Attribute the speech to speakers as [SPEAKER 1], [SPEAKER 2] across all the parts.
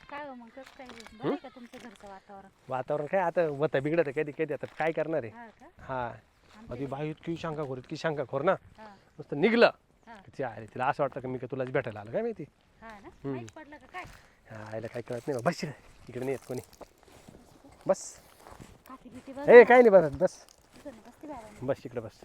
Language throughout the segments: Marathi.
[SPEAKER 1] काय हो मग कसं काय बरं आहे का तुमच्या घरचं वातावरण?
[SPEAKER 2] वातावरण काय आता होतं बिघडत कधी कधी आता काय करणार आहे.
[SPEAKER 1] हा का?
[SPEAKER 2] हा
[SPEAKER 1] आमच्या
[SPEAKER 2] ती बाई इतकी शंका खोर ना
[SPEAKER 1] हा
[SPEAKER 2] नुसतं निघलं
[SPEAKER 1] हा
[SPEAKER 2] ती आहे तिला असं वाटतं की मी का तुलाच भेटायला आलं काय माहिती.
[SPEAKER 1] हा ना माहित पडलं का काय?
[SPEAKER 2] हा आईला काय कळत नाही बस इकडे नाही येत कोणी बस.
[SPEAKER 1] काठी बिटी बघ
[SPEAKER 2] ए काय नाही बस बस
[SPEAKER 1] बसते बाहेर.
[SPEAKER 2] बस इकडे बस.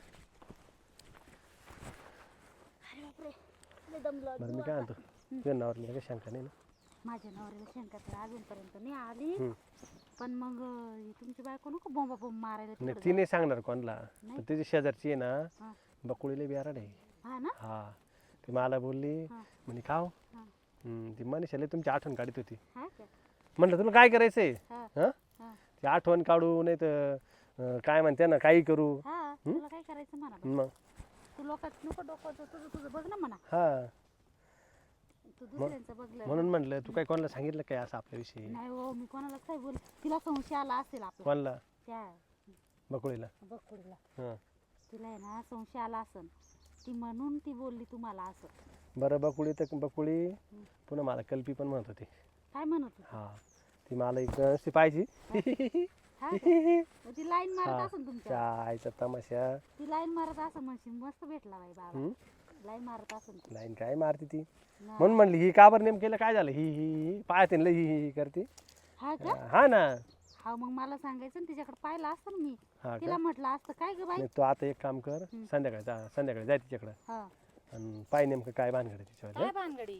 [SPEAKER 1] अरे बापरे लय दमलो
[SPEAKER 2] बरं मी काय म्हणतो तुझ्या नावावर काही शंका नाही ना.
[SPEAKER 1] माझ्या नवऱ्याला शंका तर अजूनपर्यंत नाही आली
[SPEAKER 2] हम्म.
[SPEAKER 1] पण मग ही तुमची बायको नको बोंबा बोंब मारायला
[SPEAKER 2] नाही
[SPEAKER 1] तिकडं
[SPEAKER 2] ती नाही सांगणार कोणाला
[SPEAKER 1] नाही?
[SPEAKER 2] पण तिची शेजारची आहे
[SPEAKER 1] हा.
[SPEAKER 2] ना बकुळीला बिहार आहे.
[SPEAKER 1] हा ना
[SPEAKER 2] हा ती मला बोलली
[SPEAKER 1] हा.
[SPEAKER 2] म्हणे का हो
[SPEAKER 1] हा.
[SPEAKER 2] ती मनीषाला तुमची आठवण काढत होती.
[SPEAKER 1] हा का
[SPEAKER 2] म्हटलं तुला काय करायचंय
[SPEAKER 1] हा
[SPEAKER 2] हां
[SPEAKER 1] हा
[SPEAKER 2] ती आठवण काढू नाही तर काय म्हणते ना काही करू.
[SPEAKER 1] हा तुला काय करायचं म्हणा बा.
[SPEAKER 2] मग
[SPEAKER 1] तू लोकात नको डोकं तुझं तुझं बघ ना म्हणा
[SPEAKER 2] हा
[SPEAKER 1] तू दुसऱ्यांचं बघलं
[SPEAKER 2] म्हणून म्हटलं तू काय कोणाला सांगितलं काय असं आपल्याविषयी.
[SPEAKER 1] नाही हो मी कोणाला काय बोल तिला संशय आला असेल आपला
[SPEAKER 2] कोणाला
[SPEAKER 1] त्या
[SPEAKER 2] बकुळीला.
[SPEAKER 1] बघ कुडीला
[SPEAKER 2] हां
[SPEAKER 1] तिला आहे ना संशय आला असेल ती म्हणून ती बोलली तुम्हाला असं.
[SPEAKER 2] बरं बकुळी तर बकुळी पुन्हा मला कल्पी पण म्हणत होती.
[SPEAKER 1] काय म्हणत होती?
[SPEAKER 2] हा ती मला एक नुसती पाहिजे.
[SPEAKER 1] हा का? मग ती लाईन मारत
[SPEAKER 2] हा.
[SPEAKER 1] असेल तुमच्या
[SPEAKER 2] चायचा तमाशा.
[SPEAKER 1] ती लाईन मारत असं म्हणशील मस्त भेटला बाई बाबा
[SPEAKER 2] हम्म?
[SPEAKER 1] लाईन मारत असेल ती.
[SPEAKER 2] लाईन काय मारती ती
[SPEAKER 1] ना.
[SPEAKER 2] म्हणून म्हणली ही का बरं नेमकेलं काय झालं ही पाहते ना ही करते.
[SPEAKER 1] हा का
[SPEAKER 2] हा ना.
[SPEAKER 1] हा मग मला सांगायचं ना तिच्याकडे पाहिलं असतं ना मी
[SPEAKER 2] हा
[SPEAKER 1] तिला
[SPEAKER 2] का
[SPEAKER 1] म्हटलं असतं काय ग बाई
[SPEAKER 2] नाही तू आता एक काम कर संध्याकाळी जाय तिच्याकडं
[SPEAKER 1] हा
[SPEAKER 2] आणि पाय नेमकं काय भानगड आहे तिच्यावर.
[SPEAKER 3] काय भानगडी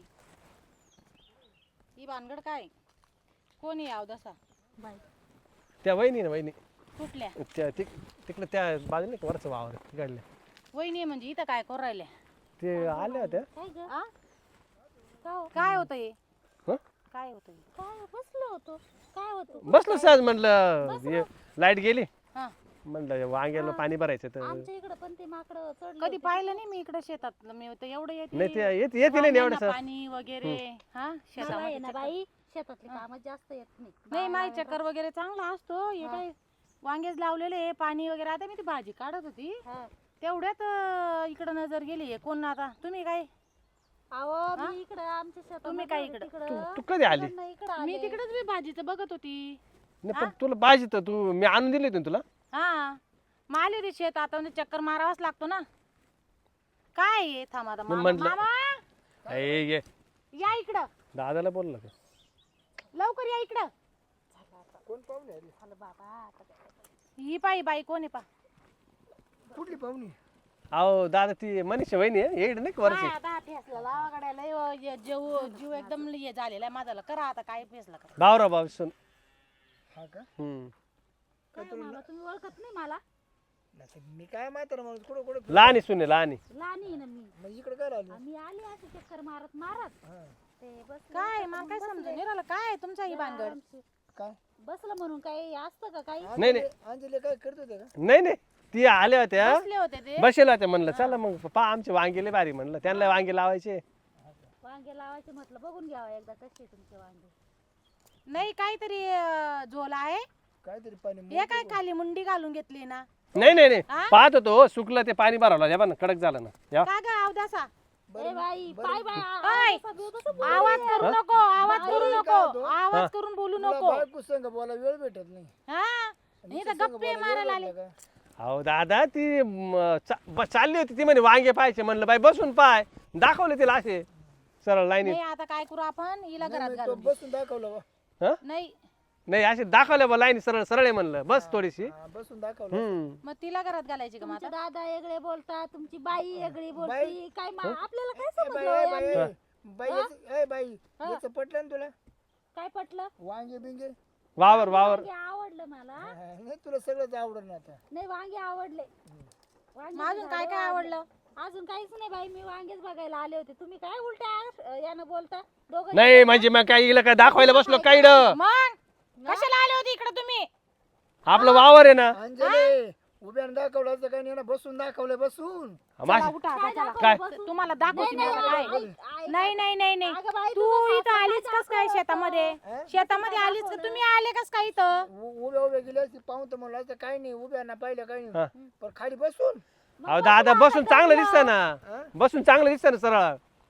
[SPEAKER 3] ही भानगड काय कोणी याव दसा
[SPEAKER 1] बाई
[SPEAKER 2] त्या वहिनी ना वहिनी
[SPEAKER 3] कुठल्या
[SPEAKER 2] त्या तिकडे त्या बाजूला नाही का वरचं वावर तिकडल्या
[SPEAKER 3] वहिनी म्हणजे इथं काय करू राहिल्या
[SPEAKER 2] ते आल्या होत्या.
[SPEAKER 1] काय ग
[SPEAKER 3] आ?
[SPEAKER 1] का हो?
[SPEAKER 3] काय होतं हे
[SPEAKER 2] हं?
[SPEAKER 3] काय होतं हे
[SPEAKER 1] काय बसलो होतो काय होतो
[SPEAKER 2] बसलो सहज म्हटलं लाईट गेली
[SPEAKER 3] हा
[SPEAKER 2] म्हटलं वांग्याला पाणी भरायचं तर
[SPEAKER 1] आमच्या इकडे पण ते माकड चढले
[SPEAKER 3] कधी पाहिलं नाही मी इकडे शेतात मी तर एवढं
[SPEAKER 2] नाही ते
[SPEAKER 3] येते
[SPEAKER 2] येते नाही एवढं
[SPEAKER 3] वांग्यांना पाणी वगैरे हा
[SPEAKER 1] मला
[SPEAKER 3] शेतामध्ये
[SPEAKER 1] आहे ना
[SPEAKER 3] चक्कर.
[SPEAKER 1] बाई शेतातले काम जास्त येत नाही
[SPEAKER 3] नाही माई चक्कर वगैरे चांगला असतो हे काय वांगेच लावलेले पाणी वगैरे आता मी ती भाजी काढत होती
[SPEAKER 1] हा.
[SPEAKER 3] तेवढ्यात इकडं नजर गेली कोण आता तुम्ही काय
[SPEAKER 1] अहो मी इकडं आमच्या शेतात
[SPEAKER 3] तुम्ही काय इकडं?
[SPEAKER 2] तू कधी आली
[SPEAKER 3] मी तिकडेच मी भाजीचं बघत होती
[SPEAKER 2] नाही पण तुला पाहिजे तर तू मी आणून दिली होती ना तुला.
[SPEAKER 3] हा माली रे शेत आता म्हणजे चक्कर मारावाच लागतो ना काय आहे? थांब आता मामा
[SPEAKER 2] म्हटलं-
[SPEAKER 3] मामा,
[SPEAKER 2] ये
[SPEAKER 3] या इकडं
[SPEAKER 2] दादाला बोललं का
[SPEAKER 3] लवकर या इकडं
[SPEAKER 1] झालं बाबा आता काय.
[SPEAKER 3] ही पायी बाई कोण आहे पा
[SPEAKER 4] कुठली पाहुणी
[SPEAKER 2] अहो दादा ती मनीषा वहिनी आहे येड नाही का वरची.
[SPEAKER 3] काय आता फेसला लावागड्याला जीव एकदम हे झालेला आहे माझा करा आता काय फेसला करा
[SPEAKER 2] भावरा भाव सुन.
[SPEAKER 4] हा का
[SPEAKER 1] काय हो मामा तुम्ही ओळखत नाही मला
[SPEAKER 4] नाही मी काय म्हातारा माणूस कुठं कुठं
[SPEAKER 2] लहानी सुने लहानी.
[SPEAKER 1] लहान आहे ना मी
[SPEAKER 4] मग इकडे काय राहिलो
[SPEAKER 1] आम्ही आली अशी चक्कर मारत मारत
[SPEAKER 4] हा
[SPEAKER 1] ते बस
[SPEAKER 3] काय मला काय समजून नाही राहिलं काय तुमचा ही भानगड
[SPEAKER 4] काय
[SPEAKER 1] बसलं म्हणून काही असतं का काही
[SPEAKER 2] नाही नाही
[SPEAKER 4] अंजली काय करत होते का
[SPEAKER 2] नाही नाही ती आल्या होत्या
[SPEAKER 3] बसले होते ते
[SPEAKER 2] बसेल होत्या म्हणलं चला मग पा आमचे वांगे लय भारी म्हणलं त्यांना वांगे लावायचे.
[SPEAKER 1] वांगे लावायचे म्हटलं बघून घ्यावा एकदा कसे तुमचे वांगे
[SPEAKER 3] नाही काहीतरी झोला आहे
[SPEAKER 4] काहीतरी पाणी
[SPEAKER 3] हे काय खाली मुंडी घालून घेतली ना
[SPEAKER 2] नाही नाही नाही
[SPEAKER 3] हा?
[SPEAKER 2] पाहत होतो सुकलं ते पाणी भरवलं या ना कडक झालं ना या.
[SPEAKER 3] का ग अवदासा
[SPEAKER 1] ए बाई पाय बाय
[SPEAKER 3] ओय! आवाज करू नको आवाज करू नको आवाज करून बोलू
[SPEAKER 4] तुला
[SPEAKER 3] नको
[SPEAKER 4] बायको संग बोला वेळ भेटत नाही
[SPEAKER 3] हा नाही तर गप्पे मारायला आले
[SPEAKER 4] का
[SPEAKER 2] अहो दादा ती चालली होती ती म्हणे वांगे पाहायचे म्हणलं बाई बसून पाय दाखवले तिला असे सरळ लाईनीत.
[SPEAKER 3] नाही आता काय करू आपण हिला घरात
[SPEAKER 4] तो
[SPEAKER 3] घालून
[SPEAKER 4] बसून दाखवलं बा
[SPEAKER 2] हा
[SPEAKER 3] नाही
[SPEAKER 2] नाही असे दाखवले बा लाईनी सरळ सरळ आहे म्हणलं बस थोडीशी.
[SPEAKER 4] हा, बसून दाखवलं
[SPEAKER 2] हम्म
[SPEAKER 3] मग तिला घरात घालायची का
[SPEAKER 1] तुमचे
[SPEAKER 3] माझा
[SPEAKER 1] दादा वेगळे बोलतात तुमची बाई वेगळी बोलती
[SPEAKER 4] बाई-
[SPEAKER 1] काय आपल्याला काय
[SPEAKER 4] ए बाई
[SPEAKER 1] समजलं
[SPEAKER 4] ए
[SPEAKER 1] हो
[SPEAKER 4] बाई
[SPEAKER 1] यांनी?
[SPEAKER 4] बाई ए बाई याचं पटलं ना तुला
[SPEAKER 1] काय पटलं
[SPEAKER 4] वांगे बिंगे
[SPEAKER 2] वावर वावर
[SPEAKER 1] वांगे आवडलं मला
[SPEAKER 4] हा, नाही तुला सगळंच आवडलं ना आता
[SPEAKER 1] नाही वांगे आवडले वांगे
[SPEAKER 3] अजून काय काय आवडलं
[SPEAKER 1] अजून काहीच नाही बाई मी वांगेच बघायला आले होते तुम्ही काय उलट्या यानं बोलता दोघं
[SPEAKER 2] नाही म्हणजे मग काय इला काय दाखवायला बसलो काय इकडं?
[SPEAKER 3] मग कशाला आले होते इकडे तुम्ही
[SPEAKER 2] आपलं वावर आहे ना.
[SPEAKER 4] अंजली उभ्यानं दाखवलं असं काही नाही ना बसून दाखवलं बसून
[SPEAKER 3] चला,
[SPEAKER 2] माशी-
[SPEAKER 3] उठा आता,
[SPEAKER 1] काय
[SPEAKER 3] चला.
[SPEAKER 1] दाखवलं
[SPEAKER 2] काय?
[SPEAKER 1] बसून?
[SPEAKER 3] तुम्हाला दाखवते मी आता काय
[SPEAKER 1] आई-
[SPEAKER 3] नाही नाही नाही नाही
[SPEAKER 1] अगं बाई,
[SPEAKER 3] तू
[SPEAKER 1] तुझं
[SPEAKER 3] इथं
[SPEAKER 1] सासू
[SPEAKER 3] आलीच कस काय शेतामध्ये शेतामध्ये आलीच का तुम्ही आले कस काय इथं
[SPEAKER 4] उभ्या उभ्या गेले असते पाहून तर म्हणलं असं काही नाही उभ्या ना पाहिलं काही
[SPEAKER 2] हा.
[SPEAKER 4] नाही पण खाली बसून
[SPEAKER 2] अहो दादा बसून चांगलं दिसतं ना
[SPEAKER 4] हा?
[SPEAKER 2] बसून चांगलं दिसतं ना सरळ.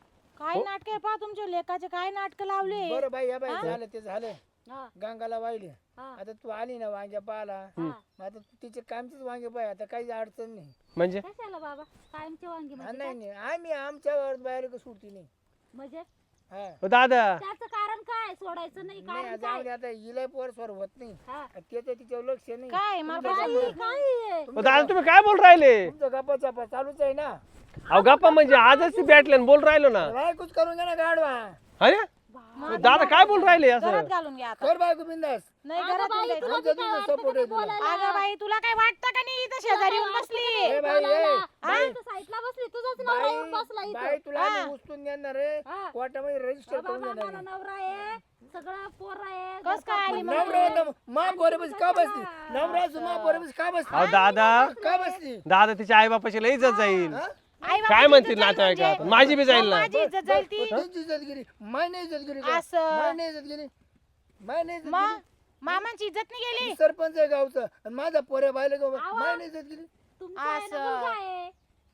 [SPEAKER 3] काय नाटक आहे पहा तुमच्या लेकाचे, काय नाटक लावले.
[SPEAKER 4] बरं बाई या बाई झालं ते झालं.
[SPEAKER 1] हा,
[SPEAKER 4] गंगाला वाहिले
[SPEAKER 1] हा,
[SPEAKER 4] आता तू आली ना वांग्या पाला
[SPEAKER 1] हा.
[SPEAKER 4] मग आता तू तिचे कामचेच वांगे पाय आता काही अडचण नाही.
[SPEAKER 2] म्हणजे
[SPEAKER 1] कशाला बाबा कायमची वांगी
[SPEAKER 4] हा,
[SPEAKER 1] म्हणजे
[SPEAKER 4] नाही
[SPEAKER 1] काय?
[SPEAKER 4] नाही आम्ही आमच्या बाहेर का सुटती नाही.
[SPEAKER 1] म्हणजे
[SPEAKER 4] हा
[SPEAKER 2] ओ दादा
[SPEAKER 1] त्याचं कारण काय सोडायचं नाही
[SPEAKER 4] नाही
[SPEAKER 1] कारण
[SPEAKER 4] जाऊ
[SPEAKER 1] काय?
[SPEAKER 4] दे आता हिला पोर स्वर होत नाही
[SPEAKER 1] हा.
[SPEAKER 4] त्याचं तिच्यावर लक्ष नाही.
[SPEAKER 3] काय मला
[SPEAKER 4] तुमचं
[SPEAKER 3] काय
[SPEAKER 1] बाई,
[SPEAKER 3] सांगू?
[SPEAKER 1] काय आहे?
[SPEAKER 2] ओ दादा तुम्ही काय बोल राहिले?
[SPEAKER 4] तुमचं गप्पा चापा चालूच आहे ना.
[SPEAKER 2] अहो गप्पा म्हणजे आजच ती भेटले आणि बोल राहिलो ना.
[SPEAKER 4] बायकोच करून घ्या ना गाडवा.
[SPEAKER 2] अरे दादा काय बोल राहिले असं?
[SPEAKER 3] घरात घालून घ्या आता.
[SPEAKER 4] कर बायको बिंदास.
[SPEAKER 3] नाही
[SPEAKER 1] अगं
[SPEAKER 3] घरात
[SPEAKER 1] बाई,
[SPEAKER 3] नाही
[SPEAKER 1] तुला
[SPEAKER 3] जायचं.
[SPEAKER 1] बी काय
[SPEAKER 4] तुमचं
[SPEAKER 1] वाटतं
[SPEAKER 4] support
[SPEAKER 1] का
[SPEAKER 4] आहे
[SPEAKER 1] ते
[SPEAKER 4] तुला.
[SPEAKER 1] बोलायला?
[SPEAKER 3] अगं बाई तुला काय वाटतं का नाही इथं शेजारी येऊन बसली.
[SPEAKER 4] ए बाई, ए,
[SPEAKER 1] बाई तू साईडला बसली तुझाच नवरा येऊन बसला
[SPEAKER 4] बाई
[SPEAKER 1] इथं.
[SPEAKER 4] बाई तुला
[SPEAKER 3] हा.
[SPEAKER 4] आम्ही उचलून देणार आहे
[SPEAKER 1] हा.
[SPEAKER 4] कोर्टामध्ये रजिस्टर
[SPEAKER 1] बाबा,
[SPEAKER 4] करून देणार
[SPEAKER 1] मला
[SPEAKER 4] आहे.
[SPEAKER 1] नवरा आहे सगळं पोर आहे
[SPEAKER 3] कस काय आली मग?
[SPEAKER 4] नवरा होता, मा पोरापाशी का बसली? नवरा असं मा पोरापाशी का बसली?
[SPEAKER 2] अहो दादा
[SPEAKER 4] का बसली?
[SPEAKER 2] दादा तिच्या आई बापाची लई इज्जत जाईल.
[SPEAKER 4] हा?
[SPEAKER 3] आई बाबाची
[SPEAKER 2] काय म्हणतील
[SPEAKER 3] इज्जत जाईल
[SPEAKER 2] नातेवाईकात?
[SPEAKER 3] म्हणजे?
[SPEAKER 2] माझी बी जाईल ना.
[SPEAKER 3] माझी इज्जत जाईल ती.
[SPEAKER 4] त्यांची इज्जत गेली माय नाही इज्जत गेली का?
[SPEAKER 3] असं.
[SPEAKER 4] माय नाही इज्जत गेली माय नाही इज्जत
[SPEAKER 3] मग
[SPEAKER 4] गेली.
[SPEAKER 3] मामांची इज्जत नाही गेली.
[SPEAKER 4] मी सरपंच आहे गावचा आणि माझा पोऱ्या बायला गाव माय नाही इज्जत गेली.
[SPEAKER 1] तुमचा आहे ना
[SPEAKER 3] असं.
[SPEAKER 1] मुलगा आहे.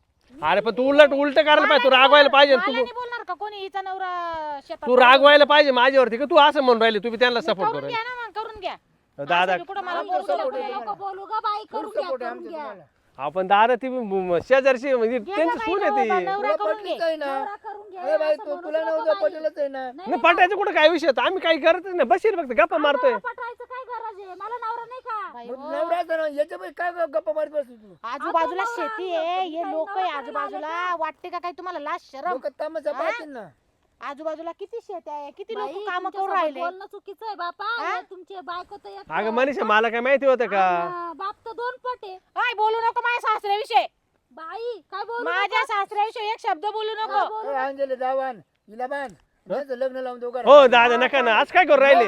[SPEAKER 2] अरे पण तू उलट करायला पाहिजे, तू रागवायला पाहिजे.
[SPEAKER 3] मला
[SPEAKER 2] तू
[SPEAKER 3] नाही बोलणार का कोणी हिचा नवरा शेतात.
[SPEAKER 2] तू रागवायला पाहिजे माझ्यावरती का तू असं म्हणून राहिले? तू बी त्यांना सपोर्ट
[SPEAKER 3] करून
[SPEAKER 2] करू
[SPEAKER 3] घ्या ना मग करून घ्या.
[SPEAKER 2] दादा.
[SPEAKER 3] असं बी कुठं मला
[SPEAKER 4] आमचं
[SPEAKER 3] बोलू
[SPEAKER 4] support
[SPEAKER 3] नको.
[SPEAKER 4] आहे.
[SPEAKER 1] नको बोलू ग बाई
[SPEAKER 4] फुल
[SPEAKER 1] करून घ्या
[SPEAKER 4] सपोर्ट आहे
[SPEAKER 1] करून
[SPEAKER 4] आमचा
[SPEAKER 1] घ्या.
[SPEAKER 4] तुम्हाला.
[SPEAKER 2] आपण दादा ती शेजारची म्हणजे
[SPEAKER 3] घे
[SPEAKER 2] त्यांची
[SPEAKER 3] ना
[SPEAKER 2] सून
[SPEAKER 3] बाई,
[SPEAKER 2] आहे ती.
[SPEAKER 3] नवरा
[SPEAKER 4] तुला
[SPEAKER 3] करून घे.
[SPEAKER 4] पटलीच आहे ना.
[SPEAKER 1] नवरा करून घ्या
[SPEAKER 4] ए बाई
[SPEAKER 1] असं
[SPEAKER 4] तू
[SPEAKER 1] म्हणू
[SPEAKER 4] तुला
[SPEAKER 1] नको
[SPEAKER 4] नव्हतं
[SPEAKER 1] बाई.
[SPEAKER 4] पटेलच आहे ना.
[SPEAKER 2] नाही पटायचं कुठं काय विषय होता? आम्ही काही करतच नाही, बशीर फक्त गप्पा मारतोय.
[SPEAKER 1] नवरा पटवायचं काय गरज आहे मला नवरा नाही का
[SPEAKER 3] बाई,
[SPEAKER 4] मग
[SPEAKER 3] हो.
[SPEAKER 4] नवरा असं ना याच्या बाई काय गप्पा मारत बसली तू?
[SPEAKER 3] आजूबाजूला
[SPEAKER 1] आता नवरा
[SPEAKER 3] शेती
[SPEAKER 1] आमचा
[SPEAKER 3] आहे,
[SPEAKER 1] तुमचा
[SPEAKER 3] हे लोक आहे
[SPEAKER 1] नवरा
[SPEAKER 3] आजूबाजूला.
[SPEAKER 1] करायला
[SPEAKER 3] वाटते का काही तुम्हाला लाज शरम?
[SPEAKER 4] लोक तमाशा
[SPEAKER 3] हा?
[SPEAKER 4] पाहतील ना.
[SPEAKER 3] आजूबाजूला किती शेत आहे, किती
[SPEAKER 1] बाई,
[SPEAKER 3] लोक काम करून
[SPEAKER 1] तुमच्यासोबत
[SPEAKER 3] राहिले.
[SPEAKER 1] बोलणं चुकीचं आहे बापा
[SPEAKER 3] हा?
[SPEAKER 1] हे तुमचे बायको तर एक
[SPEAKER 2] अगं मनीषा मला काय माहिती होतं का?
[SPEAKER 1] हा, बाप तर दोन पट आहे
[SPEAKER 3] काय बोलू नको माझ्या सासऱ्याविषयी.
[SPEAKER 1] बाई काय बोलू
[SPEAKER 3] माझ्या सासऱ्याविषयी एक शब्द बोलू नको.
[SPEAKER 4] ए, अंजली जावान हिला बांध याचं लग्न लावून देऊ का?
[SPEAKER 2] हो दादा नका ना, आज काय करू राहिले?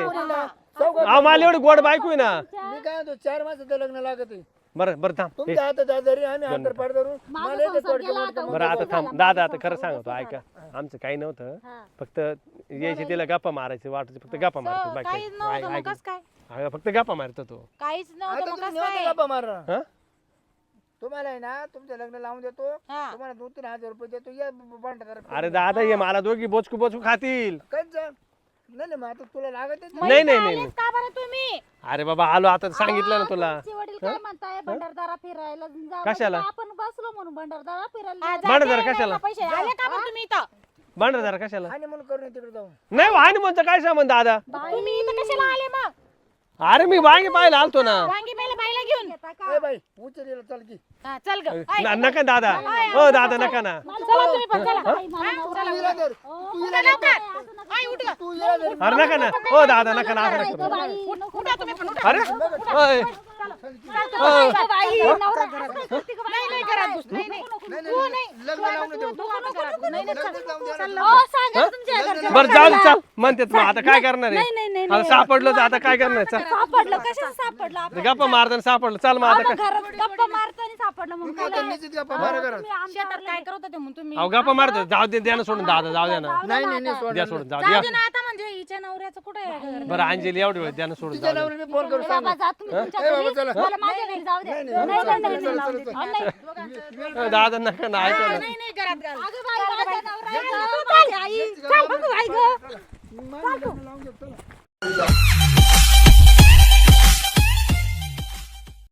[SPEAKER 2] अहो मला एवढी गोड बायको आहे ना.
[SPEAKER 4] मी काय म्हणतो 4 मासाचं लग्न लागत आहे.
[SPEAKER 2] बरं बरं थांब.
[SPEAKER 4] तुमच्या हातात आजारी आम्ही अंतर पाड धरून
[SPEAKER 1] माझा
[SPEAKER 4] मला येते
[SPEAKER 1] संसार
[SPEAKER 4] थोडक्यात
[SPEAKER 1] गेला
[SPEAKER 4] मोठं.
[SPEAKER 1] आता.
[SPEAKER 2] बरं आता थांब
[SPEAKER 1] झाला,
[SPEAKER 2] दादा,
[SPEAKER 1] माझा
[SPEAKER 2] आता खरं
[SPEAKER 1] संसार
[SPEAKER 2] सांगतो
[SPEAKER 1] व्यवस्थित
[SPEAKER 2] ऐका. आमचं काही नव्हतं,
[SPEAKER 1] हा.
[SPEAKER 2] फक्त यायची तिला गप्पा मारायची वाटायची, फक्त गप्पा मारतो बाकी
[SPEAKER 3] काहीच नव्हतं मग कस काय?
[SPEAKER 2] अगं फक्त गप्पा मारतो तो.
[SPEAKER 3] काहीच नव्हतं
[SPEAKER 4] आता
[SPEAKER 3] मग
[SPEAKER 4] तुम्ही
[SPEAKER 3] कस
[SPEAKER 4] निवांत
[SPEAKER 3] काय?
[SPEAKER 4] गप्पा मारा.
[SPEAKER 2] हा?
[SPEAKER 4] तुम्हाला आहे ना तुमचं लग्न लावून देतो
[SPEAKER 3] हा.
[SPEAKER 4] तुम्हाला 2-3 हजार रुपये देतो या भांडा
[SPEAKER 2] अरे दादा ये मला दोघी बोचकू बोचकू खातील.
[SPEAKER 4] काहीच नाही नाही, मग आता तुला लागत
[SPEAKER 3] मग
[SPEAKER 2] नाही,
[SPEAKER 3] इथं
[SPEAKER 2] नाही, नाही,
[SPEAKER 3] आलेच का बरं तुम्ही?
[SPEAKER 2] अरे बाबा आलो आता, सांगितलं ना तुला.
[SPEAKER 1] तुमचे वडील काय म्हणताय भंडारदारा फिरायला जाऊ
[SPEAKER 2] कशाला?
[SPEAKER 1] म्हणजे आपण बसलो म्हणून भंडारदारा फिरायला
[SPEAKER 3] हा,
[SPEAKER 1] जाऊ.
[SPEAKER 2] भांडं
[SPEAKER 3] जाते
[SPEAKER 2] जरा
[SPEAKER 3] नाही
[SPEAKER 2] कशाला?
[SPEAKER 3] का पैसे आले का मग तुम्ही इथं?
[SPEAKER 2] भांडा जरा कशाला?
[SPEAKER 4] आणि म्हणून करून तिकडे जाऊन
[SPEAKER 2] नाही वाहनी म्हणतो काय संबंध दादा?
[SPEAKER 3] तुम्ही इथं कशाला आले मग?
[SPEAKER 2] अरे मी वांगे पाहायला आलतो ना.
[SPEAKER 3] वांगी पहिला बाईला घेऊन.
[SPEAKER 1] येता का?
[SPEAKER 4] ए बाई उचल चल की
[SPEAKER 3] हा, चल ग. ऐ,
[SPEAKER 2] नका दादा, हो दादा नका ना.
[SPEAKER 3] चला तुम्ही पण चला.
[SPEAKER 1] बाई, मला नवरा
[SPEAKER 4] तू हिला धर. तू हिला धर.
[SPEAKER 3] ऐ, उठ ग.
[SPEAKER 4] तू हिला धर.
[SPEAKER 2] अरे नका ना, हो दादा नका ना, असं नका
[SPEAKER 1] नाही
[SPEAKER 2] करू.
[SPEAKER 1] गं बाई, नको,
[SPEAKER 3] उठा तुम्ही पण उठा.
[SPEAKER 2] अरे ओय.
[SPEAKER 1] बाई, नवरा असं करते का बाई?
[SPEAKER 3] नाही नाही घरात घुस. नाही नाही.
[SPEAKER 4] नाही
[SPEAKER 3] तू
[SPEAKER 4] नाही
[SPEAKER 3] नाही.
[SPEAKER 4] लग्न लावून देऊ
[SPEAKER 3] तू नको घरात घुस. नाही नाही चल.
[SPEAKER 4] लग्नच लावून द्या
[SPEAKER 3] चल
[SPEAKER 4] ना.
[SPEAKER 3] लवकर.
[SPEAKER 1] हो, सांगा तुमच्या घरच्या
[SPEAKER 2] बरं जाऊ दे चल म्हणतात मग आता काय करणार
[SPEAKER 1] नाही, नाही,
[SPEAKER 2] आहे?
[SPEAKER 1] नाही,
[SPEAKER 2] आता सापडलं तर आता काय करणार चल.
[SPEAKER 1] सापडलं कशाला सापडलं आपण?
[SPEAKER 2] गप्पा मारताना सापडलं, चल मग आता
[SPEAKER 1] अहो,
[SPEAKER 2] काय?
[SPEAKER 1] घरात गप्पा मारताना सापडलं म्हणून
[SPEAKER 4] तू आता निश्चित गप्पा मारा घरात.
[SPEAKER 1] तुम्ही आमच्या
[SPEAKER 3] शेतात काय करत होते म्हणून तुम्ही?
[SPEAKER 2] अहो गप्पा मारतो, जाऊ दे, द्या ना सोडून दादा, जाऊ द्या ना.
[SPEAKER 4] नाही नाही नाही सोड.
[SPEAKER 2] द्या सोडून, जाऊ
[SPEAKER 3] जाऊ
[SPEAKER 2] द्या.
[SPEAKER 3] दे ना आता म्हणजे हिच्या नवऱ्याचं कुठे आहे घर?
[SPEAKER 2] बरं अंजली एवढी वेळ द्या ना सोडून,
[SPEAKER 4] तिच्या
[SPEAKER 2] जाऊ द्या.
[SPEAKER 4] नवऱ्याने फोन करून
[SPEAKER 1] ए
[SPEAKER 4] सांग
[SPEAKER 1] बाबा, जा तुम्ही तुमच्या
[SPEAKER 4] ए बाबा,
[SPEAKER 1] घरी.
[SPEAKER 4] चला.
[SPEAKER 1] मला माझ्या घरी जाऊ दे.
[SPEAKER 4] नाही,
[SPEAKER 1] नाही,
[SPEAKER 4] नाही,
[SPEAKER 1] नाही,
[SPEAKER 4] चला,
[SPEAKER 1] नाही,
[SPEAKER 4] चला,
[SPEAKER 1] जाऊ
[SPEAKER 4] चला,
[SPEAKER 1] दे.
[SPEAKER 4] चला.
[SPEAKER 1] नाही.
[SPEAKER 2] दादा नका ना, ऐका ना.
[SPEAKER 3] नाही नाही घरात घाल.
[SPEAKER 1] अगं बाई, माझा नवरा आहे गं, माझी आई. चल बघू, आई गं.
[SPEAKER 4] माझं लग्न लावून देतो.